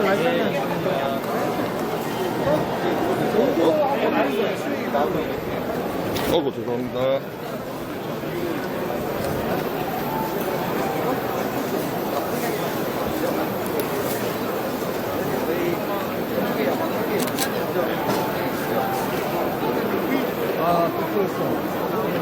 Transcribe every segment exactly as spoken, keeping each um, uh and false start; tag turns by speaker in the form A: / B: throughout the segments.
A: 어구, 죄송합니다.
B: 아, 또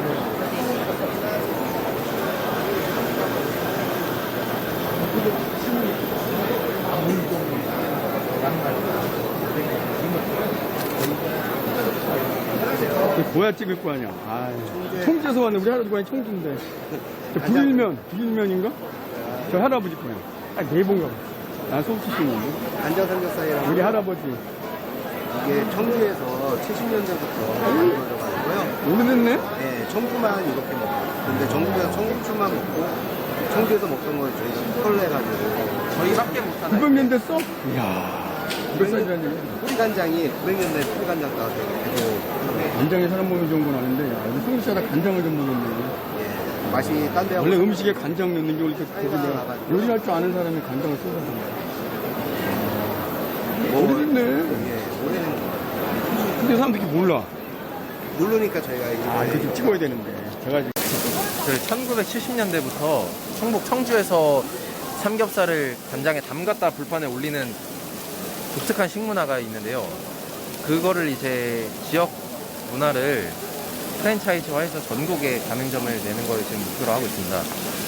B: 뭐야 찍을 거 아니야. 아, 청주에서 왔네. 우리 할아버지 고향이 청주인데. 저 불일면, 불일면인가? 저 할아버지 고향. 아, 네번가 봐. 난 서울 출신인데.
C: 간장 삼겹살이랑
B: 우리 할아버지.
C: 이게 청주에서 칠십 년대부터 만들어가지고요.
B: 오래됐네?
C: 네, 청주만 이렇게 먹어요. 근데 전국에서 청주만 먹고 청주에서 먹던 걸 저희가 컬러해가지고 저희밖에 못하나요?
B: 구백 년 됐어? 이야. 몇 살이라는 얘기야?
C: 뿌리 간장이 구백 년대 뿌리 간장 따서 계속
B: 간장에 사람 먹는 좋은 건 아닌데, 야, 우리 한국 사람 간장을 좀 먹었네.
C: 예, 맛이 딴 데하고
B: 원래 음식에 간장 넣는 게 원래 되게 내가 요리할 줄 아는 사람이 간장을 써서
C: 뭐,
B: 오래됐네.
C: 예, 오래된 거.
B: 근데 사람들이 몰라.
C: 모르니까 저희가 이제
B: 아, 이거 좀 찍어야 되는데. 제가 지금
D: 그 천구백칠십 년대부터 충북 청주에서 삼겹살을 간장에 담갔다 불판에 올리는 독특한 식문화가 있는데요. 그거를 이제 지역 문화를 프랜차이즈화해서 전국에 가맹점을 내는 걸 지금 목표로 하고 있습니다.